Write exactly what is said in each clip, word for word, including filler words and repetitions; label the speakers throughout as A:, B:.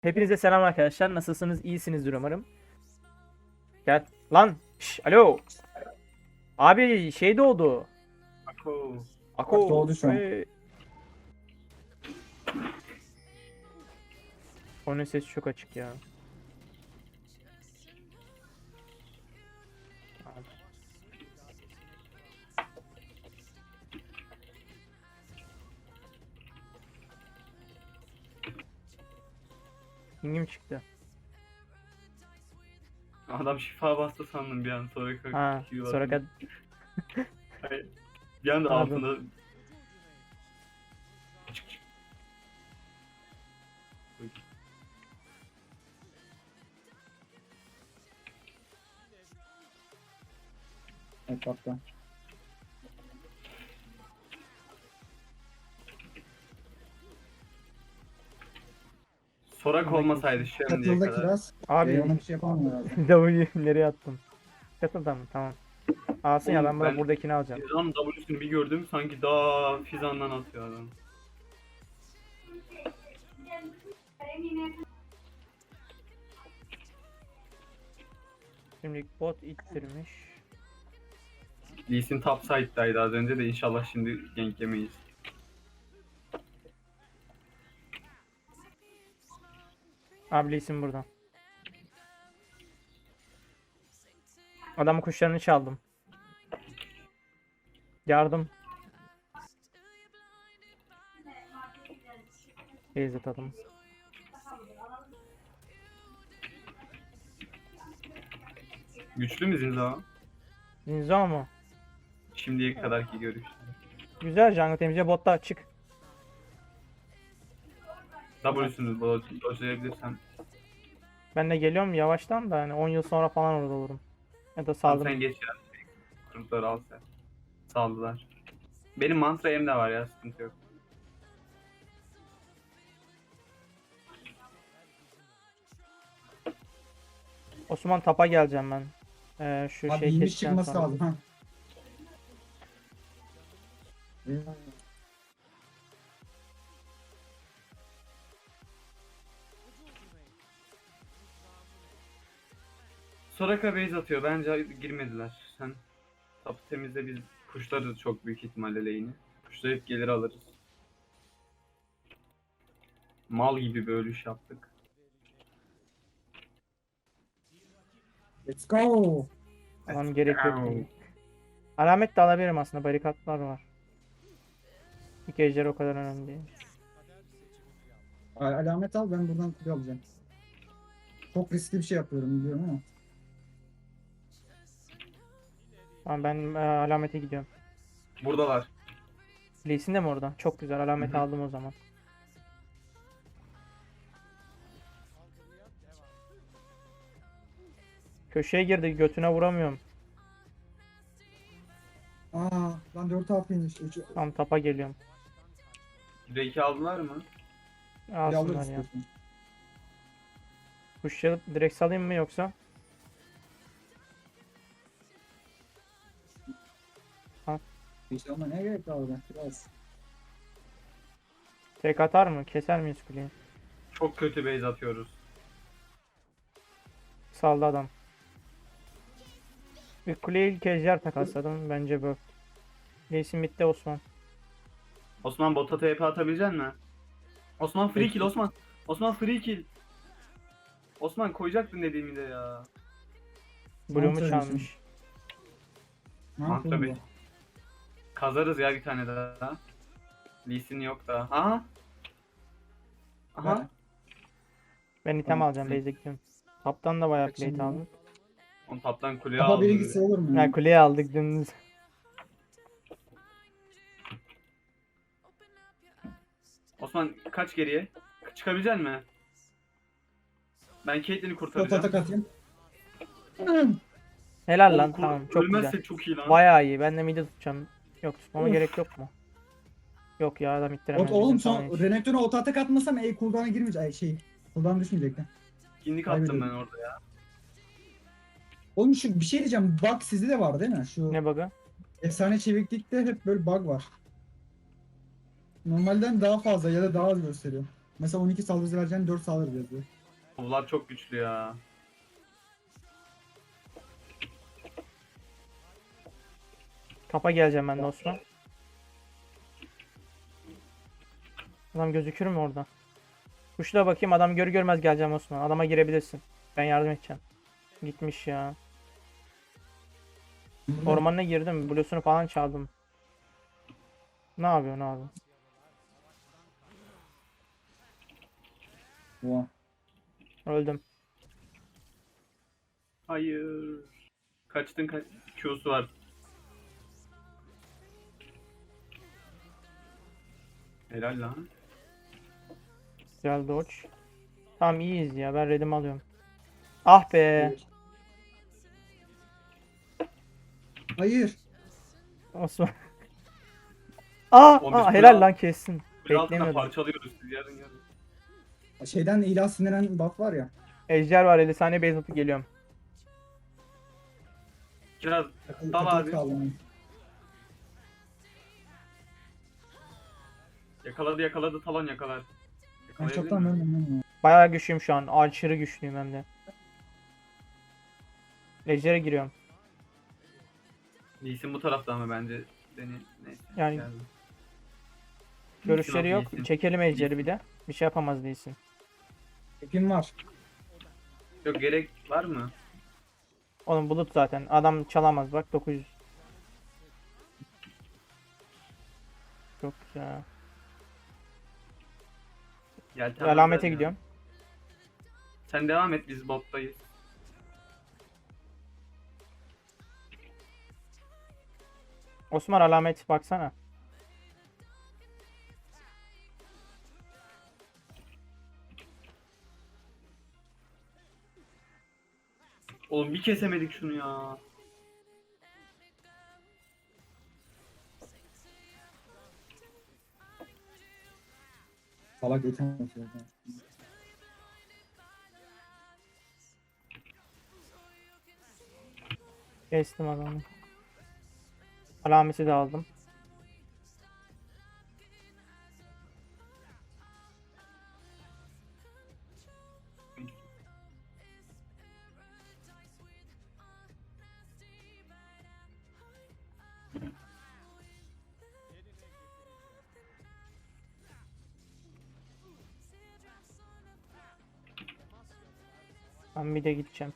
A: Hepinize selam arkadaşlar. Nasılsınız? İyisinizdir umarım. Gel. Lan. Şş, alo. Abi şey doğdu.
B: Ako.
A: Ako.
C: Doğdu şu an.
A: Ee, Onun sesi çok açık ya. Abi. Pingim çıktı.
B: Adam şifa bastı sandım bir an sonra
A: Ha, sonra kad
B: Hayır. Bir anda
A: Pardon.
B: altında çık çık.
C: Evet hatta.
B: Sorak olmasaydı şimdiye
C: Katıldı
B: kadar.
C: kiraz.
A: Abi
C: Ee, ona bir şey yapamam herhalde.
A: W'yu nereye attım? Katıldı mı? Tamam. Alsın ya
B: Oğlum
A: ben burada
B: ben-
A: buradakini alacağım.
B: Fizan W'sünü bir gördüm sanki daha Fizan'dan atıyor adam.
A: Şimdi bot ittirmiş.
B: Lee Sin top side'daydı az önce de inşallah şimdi gank yemeyiz.
A: Abi isim burada. Adamın kuşlarını çaldım. Yardım. Beyz atalım.
B: Güçlü mü Zinza?
A: Zinzo mu?
B: Şimdiye kadarki görüş.
A: Güzel jungle temizle botta çık.
B: W'sünü dodge'layabilirsen.
A: Ben de geliyorum yavaştan da hani on yıl sonra falan orada olurum. Ya da
B: Tamam
A: saldırım.
B: sen geç ya. Kurtları al sen. Saldılar. Benim mantra em de var ya sıkıntı yok.
A: Osman tapa geleceğim ben. Ee, şu
C: Abi
A: şey
C: iyiymiş
A: keseceğim
C: çıkması
A: sonra.
C: lazım ha.
B: Soraka base atıyor. Bence girmediler. Sen tapı temizle biz kuşları çok büyük ihtimalle lane'i. Kuşlayıp gelir alırız. Mal gibi bir ölüş yaptık.
C: Let's go.
A: Tamam gerek yok değil. Alamet de alabilirim aslında barikatlar var. İlk ejder o kadar önemli değil.
C: A- Alamet al, ben buradan kutu alacağım. Çok riskli bir şey yapıyorum biliyorum ama.
A: Tamam ben e, alamete gidiyorum.
B: Buradalar.
A: Lee Sin de mi orada? Çok güzel alameti
B: Hı hı.
A: aldım o zaman. Köşeye girdi götüne vuramıyorum.
C: Aa lan dört hafiymiş. üç
A: Tam tapa geliyorum.
B: Drake'i aldılar mı?
A: Alsınlar
C: alırız
A: ya.
C: istiyorsan.
A: Kuşlayıp direkt salayım mı yoksa?
C: İşte ama ne gerek var orada? Biraz.
A: Tek atar mı? Keser miyiz kuleyi?
B: Çok kötü base atıyoruz.
A: Saldı adam. Bir kuleye ilk ejder takasladım. Bence bu. Lee Sin bitti Osman.
B: Osman bota T P atabilecek mi? Osman free kill Osman. Osman free kill. Osman koyacaktın dediğimi de ya.
A: Bloom'u
C: Mantıklı
A: çalmış.
C: Ne
B: Ah,
C: yapayım
B: tabii. Kazarız ya bir tane daha. Lee Sin yok da. Aha. Aha.
C: Ben-
A: Ben item
C: Tamam.
A: alacağım. Base'e gidiyorum. Taptan da bayağı
C: Kaçayım
A: plate
C: ya.
A: aldım.
B: On taptan kuleye
C: Kafa
B: aldım.
C: bilgisi olur mu?
A: Ya
C: Ya?
A: kuleye aldık dümdüz.
B: Osman kaç geriye? Çıkabilecek mi? Ben Caitlyn'i
C: Pot
B: kurtaracağım.
C: atak atayım.
A: Helal lan
B: Oğlum, kur-
A: tamam çok
B: ölmezse
A: güzel.
B: çok iyi lan.
A: Bayağı iyi. Ben de mid'i tutacağım. Yok tutmama
C: Of.
A: gerek yok mu? Yok ya adam ittiremez.
C: Ot, oğlum
A: bizim
C: son
A: sana hiç.
C: Renekton'a ot atak atmasam E cooldown'a girmeyecek. Ay şey. Cooldown düşmeyecekti.
B: İndik attım ben
C: Kaybediyorum.
B: orada ya.
C: Oğlum şu bir şey diyeceğim. Bug sizde de var değil mi? Şu
A: Ne bug'ı?
C: efsane çeviklikte hep böyle bug var. Normalden daha fazla ya da daha az gösteriyor. Mesela on iki saldırı vereceğin dört saldırı yazıyor.
B: Vlad çok güçlü ya.
A: Kapa geleceğim ben de Osman. Adam gözükür mü orada? Kuşla bakayım, adam gör görmez geleceğim Osman. Adama girebilirsin. Ben yardım edeceğim. Gitmiş ya. Ormanına girdim. Blues'unu falan çaldım. Ne yapıyor ne yapıyor?
C: Oha.
A: Öldüm.
B: Hayır. Kaçtın kaç. Q'su var. Helal lan.
A: Güzel dodge. Tamam iyiyiz ya. Ben redimi alıyorum. Ah be.
C: Hayır.
A: Osman. Aa,
B: On bir
A: aa
B: kral-
A: helal lan kessin.
B: Bir altına
A: Beklemiyordum.
B: parçalıyoruz siz yarın yarın.
C: Şeyden ilah sinirlen buff var ya.
A: Ejder var, elli saniye base atıp geliyorum.
B: Kiraz
C: Takılı,
B: Dal
C: takılı
B: abi.
C: kaldım.
B: yakaladı yakaladı talon yakalar.
C: Ben
B: Yakalayabilir
C: çoktan
B: mi?
C: vermem lan ya.
A: Bayağı güçlüyüm şu an. Aşırı güçlüyüm hem de. Ejder'e giriyorum.
B: Lee Sin bu tarafta ama bence seni neyse.
A: Yani
B: geldi.
A: görüşleri
B: Lee
A: yok.
B: Sin.
A: Çekelim Ejder'i bir de. Bir şey yapamaz değilsin.
C: Epim var.
B: Yok gerek var mı?
A: Oğlum bulut zaten. Adam çalamaz bak, dokuz yüz. Çok güzel.
B: Yeltenmezler
A: Alamete
B: ya.
A: gidiyorum.
B: Sen devam et biz bottayız.
A: Osman alamet baksana.
B: Oğlum bir kesemedik şunu ya.
C: Salak yetemez. ya.
A: Kestim adamı. Alameti de aldım. Ben bir de gideceğim.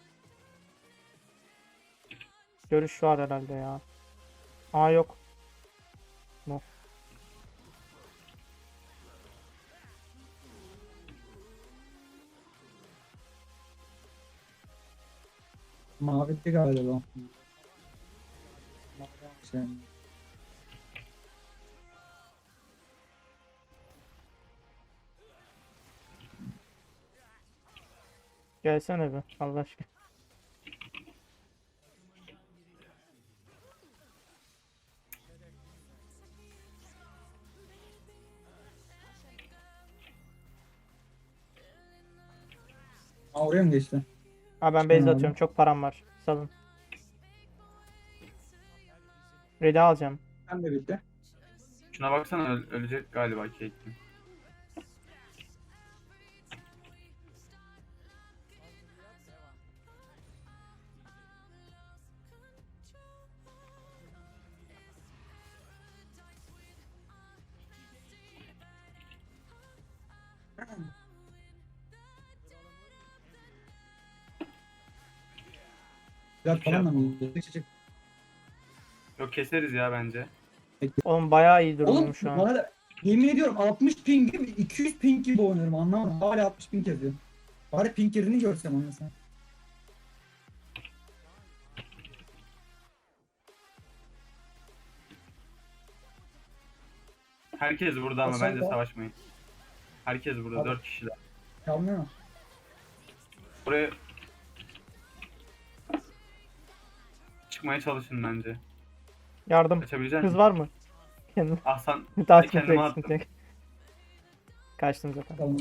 A: Görüş var herhalde ya. Aa yok. No.
C: Mavide galiba. Şey.
A: Gelsene be Allah aşkına.
C: Aa, oraya mı geçti?
A: Ha ben
C: Çıkın
A: base
C: abi.
A: atıyorum. Çok param var. Salın. Red'i alacağım.
C: Ben de bitti.
B: Şuna baksana öl- ölecek galiba Caitlyn.
C: Biraz falan da mı? Çık, çık, çık.
B: Yok keseriz ya bence.
A: Oğlum bayağı iyi
C: Oğlum
A: durumum şu an.
C: bana da yemin ediyorum altmış ping gibi iki yüz ping gibi oynuyorum anlamadım. Hala altmış ping yazıyor. Bari ping yerini görsem anlasam.
B: Herkes burada ama
C: Aşağıda.
B: bence savaşmayın. Herkes burada
C: Abi.
B: dört kişiler.
C: Kalmıyor mu?
B: Buraya çıkmaya çalışın bence.
A: Yardım.
B: Kaçabilecek
A: Kız
B: misin?
A: var mı? Kendim.
B: Ah sen
A: Daha
B: Ben
A: sıkıntı
B: kendime
A: yok,
B: attım.
A: sıkıntı yok. Kaçtım zaten.
C: Tamam.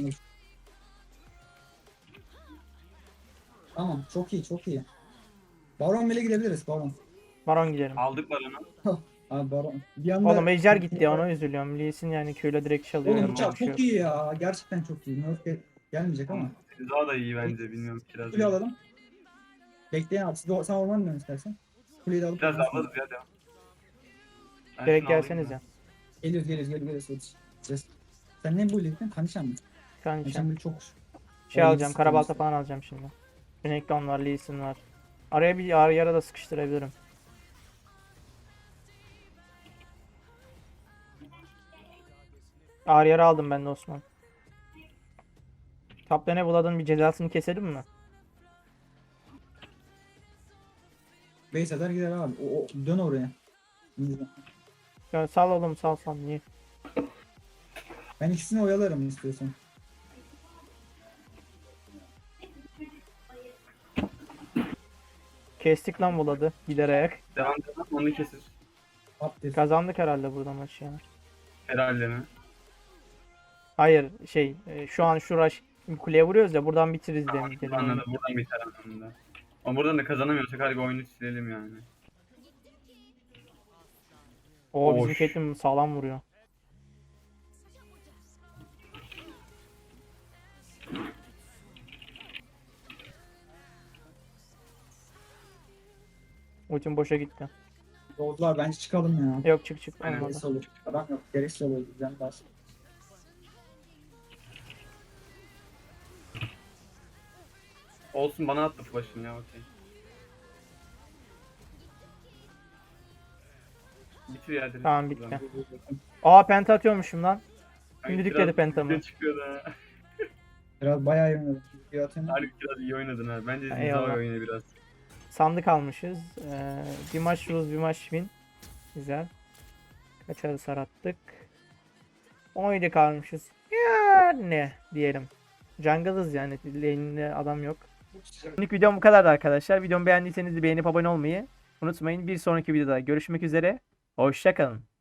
C: Tamam çok iyi çok iyi. Baron bile gidebiliriz Baron.
A: Baron gidelim.
B: aldık baronu.
C: Abi Baron. Bir anda...
A: Oğlum ejder gitti ya, ona üzülüyorum. Lee Sin yani Q'yla direkt çalıyor.
C: Oğlum
A: yani
C: uçak
A: konuşuyor.
C: çok iyi ya. Gerçekten çok iyi. Nerf gel- gelmeyecek ama.
B: Daha da iyi bence, bilmiyorum kiraz.
C: Kuleyi alalım. Bekleyin abi. Siz de, sen orman dön istersen. Kuleyi de alıp
B: Biraz
C: orman
B: alırız ya, devam. Ben
A: Direkt
B: şunu alayım
A: gelsenize.
B: da.
C: Geliyoruz geliyoruz geliyoruz. geliyoruz. Ses. Sen ne bu iledin? Kanişan mı?
A: Kanka
C: Kanişan bir çok...
A: şey
C: O
A: alacağım.
C: yedi
A: Karabalta
C: sıkıntı.
A: falan alacağım şimdi. Renekton var, Lee Sin var. Araya bir ara yara da sıkıştırabilirim. Ağır yara aldım ben de Osman. Kaplan'a buladın, bir cezasını keselim mi?
C: Base atar gider abi. O, o- dön oraya.
A: Ya sal oğlum, sal sal, niye?
C: Ben ikisini oyalarım istiyorsan.
A: Kestik lan buladı giderek.
B: Devam devam, onu kesir.
C: Update.
A: Kazandık herhalde burada maçı ya.
B: Herhalde mi?
A: Hayır şey e, şu an şu rush kuleye vuruyoruz ya, buradan bitiririz demin dedim.
B: Anladım, buradan biter anlamında. Ama buradan da kazanamıyorsak harbi oyunu silelim yani.
A: Oo, bizim
B: Oş.
A: Caitlyn sağlam vuruyor. Ultim boşa gitti.
C: Yolcular bence çıkalım ya.
A: Yok, çık çık
B: Aynen.
A: olmadı.
C: Gereksiz olur. Adam yok. Gereksiz olur. Bizden bas.
B: Olsun, bana attı flash'ını ya, okey. Bitir ya direkt.
A: Tamam, bitti.
B: Buradan.
A: Aa, penta atıyormuşum lan.
B: Ay,
A: Şimdi
B: biraz
A: dükledi pentamı.
B: bize çıkıyor da.
C: Biraz bayağı iyi oynadım. Video atayım.
B: Harbi biraz iyi oynadın ha. Bence
A: Eyvallah.
B: Zinzao oyunu biraz.
A: Sandık almışız. Ee, bir maç lose, bir maç win. Güzel. Kaç arı sarattık. on yedi kalmışız. Yani diyelim. Jungle'ız yani. Lane'de adam yok. Şimdilik videom bu kadardı arkadaşlar. Videomu beğendiyseniz de beğenip abone olmayı unutmayın. Bir sonraki videoda görüşmek üzere. Hoşça kalın.